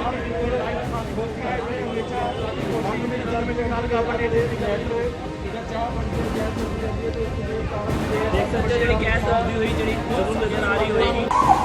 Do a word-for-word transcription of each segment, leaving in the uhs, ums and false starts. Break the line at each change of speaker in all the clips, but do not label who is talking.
सकते हो gas off हुई जी जरूर नजर आ रही होगी।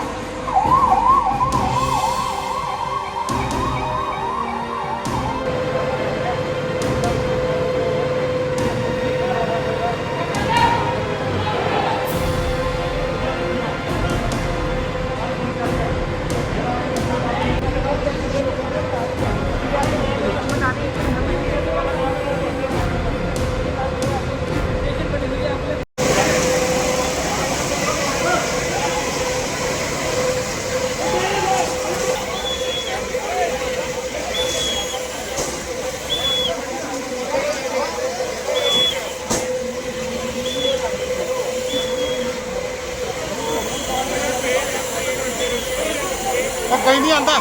कहीं नहीं आता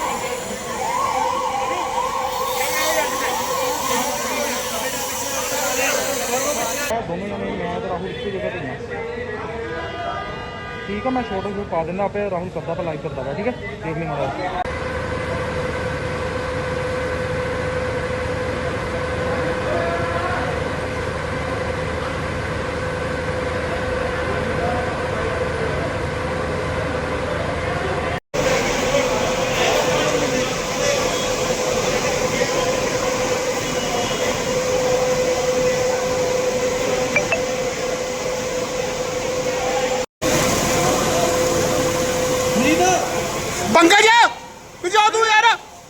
दोनों जने मैं तो राहुल एक जगह पे ठीक है। मैं छोटे से पा देना आप राहुल करता था लाइव करता था ठीक है देख लेना। पंकज जा तू यार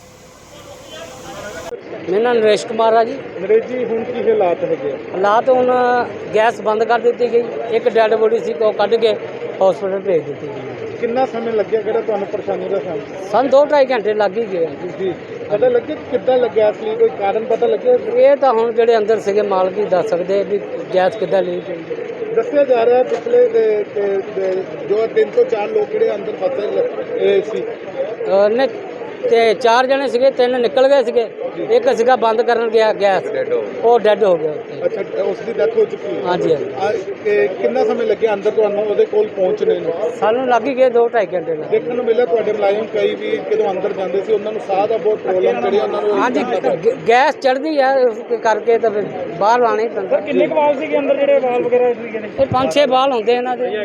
मेरा नाम नरेश कुमार है जी।
नरेश जी ਹੁਣ ਕੀ ਹਾਲਾਤ ਹੈਗੇ
हालात ਹੁਣ गैस बंद कर दी गई। एक डेड बॉडी सी को कढ़ के हॉस्पिटल भेज दी गई।
ਕਿੰਨਾ ਸਮੇਂ ਲੱਗਿਆ ਕਿਹੜਾ ਤੁਹਾਨੂੰ ਪਰੇਸ਼ਾਨੀ ਦਾ ਸਾਹਮਣਾ
सन दो ढाई घंटे लग ही गए।
ਜੀ ਪਤਾ ਲੱਗਿਆ ਕਿੱਦਾਂ ਲੱਗਿਆ ਅਸਲੀ ਕੋਈ ਕਾਰਨ ਪਤਾ ਲੱਗਿਆ?
ਇਹ ਤਾਂ ਹੁਣ ਜਿਹੜੇ ਅੰਦਰ ਸੀਗੇ ਮਾਲਕ ਹੀ ਦੱਸ ਸਕਦੇ ਵੀ ਗੈਸ ਕਿੱਦਾਂ ਲੀਕ ਹੋਈ।
ਦੱਸਿਆ ਜਾ ਰਿਹਾ ਪਿਛਲੇ ਦੇ- ਦੇ- ਦੇ- ਜੋ ਤਿੰਨ ਤੋਂ ਚਾਰ ਲੋਕ ਜਿਹੜੇ ਅੰਦਰ ਫਸੇ ਸੀ
ਅਹ ਨੇ ਤੇ ਚਾਰ ਜਣੇ ਸੀਗੇ, ਤਿੰਨ ਨਿਕਲ ਗਏ ਸੀਗੇ, ਇੱਕ ਸੀਗਾ ਬੰਦ ਕਰਨ ਗਿਆ ਗੈਸ, ਉਹ ਡੈੱਡ ਹੋ ਗਿਆ ਉੱਥੇ।
ਅੱਛਾ ਉਸ ਦੀ ਡੈਥ ਹੋ ਚੁੱਕੀ ਹੈ।
ਹਾਂਜੀ ਹਾਂਜੀ
ਆ, ਤੇ ਕਿੰਨਾ ਸਮੇਂ ਲੱਗਿਆ ਅੰਦਰ ਤੁਹਾਨੂੰ ਉਹਦੇ ਕੋਲ ਪਹੁੰਚਣੇ ਨੂੰ?
ਸਾਨੂੰ ਲੱਗ ਹੀ ਗਏ ਦੋ ਢਾਈ ਘੰਟੇ ਲੱਗ।
ਦੇਖਣ ਨੂੰ ਮਿਲਿਆ ਤੁਹਾਡੇ ਮੁਲਾਜ਼ਮ ਕਈ ਵੀ ਜਦੋਂ ਅੰਦਰ ਜਾਂਦੇ ਸੀ ਉਹਨਾਂ ਨੂੰ ਸਾਹ ਦਾ ਬਹੁਤ ਪ੍ਰੋਬਲਮ ਜਿਹੜੀ ਉਹਨਾਂ ਨੂੰ
ਹਾਂਜੀ ਗ- ਗੈਸ ਚੜ੍ਹਦੀ ਆ ਉਸ ਕਰਕੇ ਤਾਂ ਫਿਰ ਬਾਹਰ ਲਾਣੇ ਪੈਂਦਾ।
ਕਿੰਨੇ ਵਾਲ ਸੀਗੇ ਅੰਦਰ ਜਿਹੜੇ ਵਾਲ ਵਗੈਰਾ ਸੀਗੇ ਨੇ?
ਇਹ ਪੰਜ ਛੇ ਬਾਲ ਹੁੰਦੇ ਇਹਨਾਂ ਦੇ।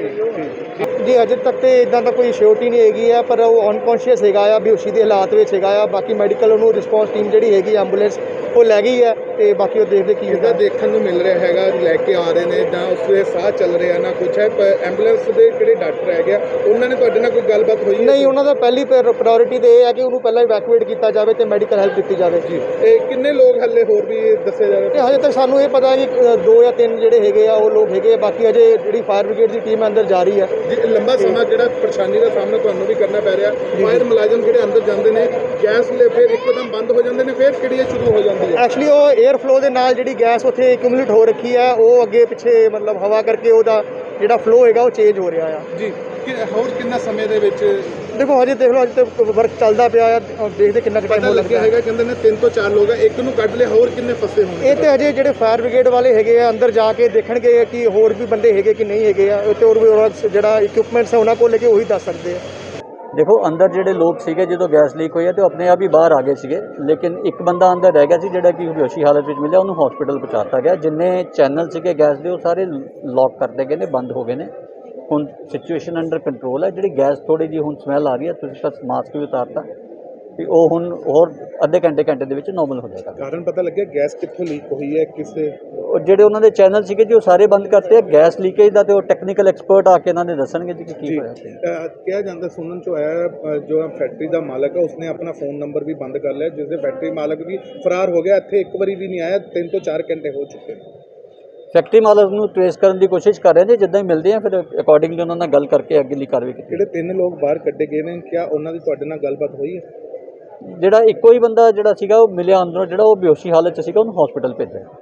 ਜੀ ਅਜੇ ਤੱਕ ਤੇ ਇਦਾਂ ਦਾ ਕੋਈ ਸ਼ੋਰਟੀ ਨਹੀਂ ਹੈਗੀ ਆ, ਪਰ ਉਹ ਅਨਕੌਂਸ਼ੀਅਸ ਹੈਗਾ ਆ, ਬੇਹੋਸ਼ੀ ਦੇ ਹਾਲਾਤ ਵਿੱਚ ਹੈਗਾ ਆ। ਬਾਕੀ ਮੈਡੀਕਲ ਉਹਨੂੰ ਰਿਸਪੌਂਸ ਟੀਮ ਜਿਹੜੀ ਹੈਗੀ ਐਂਬੂਲੈਂਸ ਉਹ ਲੈ ਗਈ ਹੈ ਤੇ ਬਾਕੀ ਉਹ ਦੇਖਦੇ ਕੀ ਹੁੰਦਾ। ਦੇਖਣ ਨੂੰ ਮਿਲ ਰਿਹਾ ਹੈਗਾ ਲੈ ਕੇ ਆ ਰਹੇ ਨੇ ਜਾਂ ਉਸਦੇ ਸਾਹ ਚੱਲ ਰਿਹਾ ਨਾ ਕੁਛ ਹੈ। ਐਂਬੂਲੈਂਸ ਦੇ ਜਿਹੜੇ ਡਾਕਟਰ ਹੈਗੇ ਆ ਉਹਨਾਂ ਨੇ ਤੁਹਾਡੇ ਨਾਲ ਕੋਈ ਗੱਲਬਾਤ ਹੋਈ? ਨਹੀਂ, ਉਹਨਾਂ ਦਾ ਪਹਿਲੀ ਪ੍ਰਾਇੋਰਟੀ ਤੇ ਇਹ ਹੈ ਕਿ ਉਹਨੂੰ ਪਹਿਲਾਂ ਇਵੈਕੂਏਟ ਕੀਤਾ ਜਾਵੇ ਤੇ ਮੈਡੀਕਲ ਹੈਲਪ ਦਿੱਤੀ ਜਾਵੇ। ਜੀ
ਤੇ ਕਿੰਨੇ ਲੋਕ ਹੱਲੇ ਹੋਰ ਵੀ ਦੱਸੇ ਜਾ ਰਹੇ?
ਤੇ ਹਜੇ ਤੱਕ ਸਾਨੂੰ ਇਹ ਪਤਾ ਕਿ ਦੋ ਜਾਂ ਤਿੰਨ ਜਿਹੜੇ ਹੈਗੇ ਆ ਉਹ ਲੋਕ ਹੈਗੇ ਆ। ਬਾਕੀ ਅਜੇ ਜਿਹੜੀ ਫਾਇਰ ਬ੍ਰਿਗੇਡ ਦੀ ਟੀਮ ਅੰਦਰ ਜਾ ਰਹੀ ਹੈ।
ਜੀ ਲੰਬਾ ਸਮਾਂ ਜਿਹੜਾ ਪਰੇਸ਼ਾਨੀ ਦਾ ਸਾਹਮਣਾ ਤੁਹਾਨੂੰ ਵੀ ਕਰਨਾ ਪੈ ਰਿਹਾ। ਫਾਇਰ ਮੁਲਾਜ਼ਮ ਜਿਹੜੇ ਅੰਦਰ ਜਾਂਦੇ ਨੇ ਗੈਸ ਲੈ ਫਿਰ ਇੱਕਦਮ ਬੰਦ ਹੋ ਜਾਂਦੇ ਨੇ, ਫਿਰ ਕਿਹੜੀ ਸ਼ੁਰੂ ਹੋ ਜਾਂਦੀ ਹੈ?
ਐਕਚੁਅਲੀ ਉਹ 에ਅਰ ਫਲੋ ਦੇ ਨਾਲ ਜਿਹੜੀ ਗੈਸ ਉੱਥੇ ਐਕਿਊਮੂਲੇਟ ਹੋ ਰੱਖੀ ਹੈ, ਉਹ ਅੱਗੇ ਪਿੱਛੇ ਮਤਲਬ ਹਵਾ ਕਰਕੇ ਉਹਦਾ ਜਿਹੜਾ ਫਲੋ ਹੈਗਾ ਉਹ ਚੇਂਜ ਹੋ ਰਿਹਾ ਆ।
ਜੀ ਹੋਰ ਕਿੰਨਾ ਸਮੇਂ ਦੇ ਵਿੱਚ?
ਦੇਖੋ ਹਜੇ ਦੇਖ ਲਓ ਅਜੇ ਤੱਕ ਵਰਕ ਚੱਲਦਾ ਪਿਆ ਆ ਔਰ ਦੇਖਦੇ ਕਿੰਨਾ ਟਾਈਮ ਹੋ ਲੱਗਦਾ
ਹੈਗਾ। ਕਹਿੰਦੇ ਨੇ ਤਿੰਨ ਤੋਂ ਚਾਰ ਲੋਕ ਆ, ਇੱਕ ਨੂੰ ਕੱਢ ਲਿਆ, ਹੋਰ ਕਿੰਨੇ ਫਸੇ ਹੋਣਗੇ?
ਇਹ ਤੇ ਹਜੇ ਜਿਹੜੇ ਫਾਇਰ ਬ੍ਰਿਗੇਡ ਵਾਲੇ ਹੈਗੇ ਆ ਅੰਦਰ ਜਾ ਕੇ ਦੇਖਣਗੇ ਕਿ ਹੋਰ ਵੀ ਬੰਦੇ ਹੈਗੇ ਕਿ ਨਹੀਂ ਹੈਗੇ ਆ। ਤੇ ਹੋਰ ਵੀ ਜਿਹੜਾ ਇਕਵਿਪਮੈਂਟਸ ਹੈ ਉਹਨਾਂ ਕੋਲ ਲੈ ਕੇ ਉਹੀ ਦੱਸ ਸਕਦੇ ਆ।
देखो अंदर ਜਿਹੜੇ ਲੋਕ ਸੀਗੇ ਜਦੋਂ ਗੈਸ ਲੀਕ ਹੋਈ ਹੈ ਤੇ ਉਹ ਆਪਣੇ ਆਪ ਹੀ ਬਾਹਰ ਆ ਗਏ ਸੀਗੇ, ਲੇਕਿਨ ਇੱਕ ਬੰਦਾ ਅੰਦਰ ਰਹਿ ਗਿਆ ਸੀ ਜਿਹੜਾ ਕਿ ਬੇਹੋਸ਼ੀ ਹਾਲਤ ਵਿੱਚ ਮਿਲਿਆ, ਉਹਨੂੰ ਹਸਪੀਟਲ ਪਹੁੰਚਾਤਾ ਗਿਆ। ਜਿੰਨੇ ਚੈਨਲ ਸੀਗੇ ਗੈਸ ਦੇ ਉਹ ਸਾਰੇ ਲੌਕ ਕਰਦੇ ਗਏ ਨੇ, ਬੰਦ ਹੋ ਗਏ ਨੇ। ਹੁਣ ਸਿਚੁਏਸ਼ਨ ਅੰਡਰ ਕੰਟਰੋਲ ਹੈ। ਜਿਹੜੀ ਗੈਸ ਥੋੜੀ ਜਿਹੀ ਹੁਣ ਸਮੈਲ ਆ ਰਹੀ ਹੈ, ਤੁਸੀਂ ਬਸ ਮਾਸਕ ਵੀ ਉਤਾਰਤਾ ਵੀ ਉਹ ਹੁਣ ਹੋਰ ਅੱਧੇ ਘੰਟੇ ਘੰਟੇ ਦੇ ਵਿੱਚ ਨੋਰਮਲ ਹੋ ਜਾਏਗਾ।
ਕਾਰਨ ਪਤਾ ਲੱਗਿਆ ਗੈਸ ਕਿੱਥੋਂ ਲੀਕ ਹੋਈ ਹੈ? ਕਿਸੇ
ਉਹ ਜਿਹੜੇ ਉਹਨਾਂ ਦੇ ਚੈਨਲ ਸੀਗੇ ਜੀ ਉਹ ਸਾਰੇ ਬੰਦ ਕਰਤੇ ਆ। ਗੈਸ ਲੀਕੇਜ ਦਾ ਤੇ ਉਹ ਟੈਕਨੀਕਲ ਐਕਸਪਰਟ ਆ ਕੇ ਇਹਨਾਂ ਨੇ ਦੱਸਣਗੇ ਜੀ ਕਿ ਕੀ ਹੋਇਆ ਸੀ।
ਕਿਹਾ ਜਾਂਦਾ ਸੁਣਨ ਚ ਆਇਆ ਜੋ ਫੈਕਟਰੀ ਦਾ ਮਾਲਕ ਹੈ ਉਸਨੇ ਆਪਣਾ ਫੋਨ ਨੰਬਰ ਵੀ ਬੰਦ ਕਰ ਲਿਆ, ਜਿਸ ਦੇ ਫੈਕਟਰੀ ਮਾਲਕ ਵੀ ਫਰਾਰ ਹੋ ਗਿਆ। ਇੱਥੇ ਇੱਕ ਵਾਰੀ ਵੀ ਨਹੀਂ ਆਇਆ, ਤਿੰਨ ਤੋਂ ਚਾਰ ਘੰਟੇ ਹੋ ਚੁੱਕੇ ਨੇ।
ਫੈਕਟਰੀ ਮਾਲਕ ਨੂੰ ਟ੍ਰੇਸ ਕਰਨ ਦੀ ਕੋਸ਼ਿਸ਼ ਕਰ ਰਹੇ ਨੇ, ਜਿੱਦਾਂ ਹੀ ਮਿਲਦੇ ਆ ਫਿਰ ਅਕੋਰਡਿੰਗਲੀ ਉਹਨਾਂ ਨਾਲ ਗੱਲ ਕਰਕੇ ਅੱਗੇਲੀ ਕਾਰਵਾਈ ਕੀਤੀ।
ਜਿਹੜੇ ਤਿੰਨ ਲੋਕ ਬਾਹਰ ਕੱਢੇ ਗਏ ਨੇ, ਕਿਆ ਉਹਨਾਂ ਦੀ ਤੁਹਾਡੇ ਨਾਲ ਗੱਲਬਾਤ ਹੋਈ ਹੈ?
ਜਿਹੜਾ ਇੱਕੋ ਹੀ ਬੰਦਾ ਜਿਹੜਾ ਸੀਗਾ ਉਹ ਮਿਲਿਆ ਅੰਦਰੋਂ, ਜਿਹੜਾ ਉਹ ਬੇਹੋਸ਼ੀ ਹਾਲਤ 'ਚ ਸੀਗਾ, ਉਹਨੂੰ ਹਸਪੀਟਲ ਭੇਜਿਆ।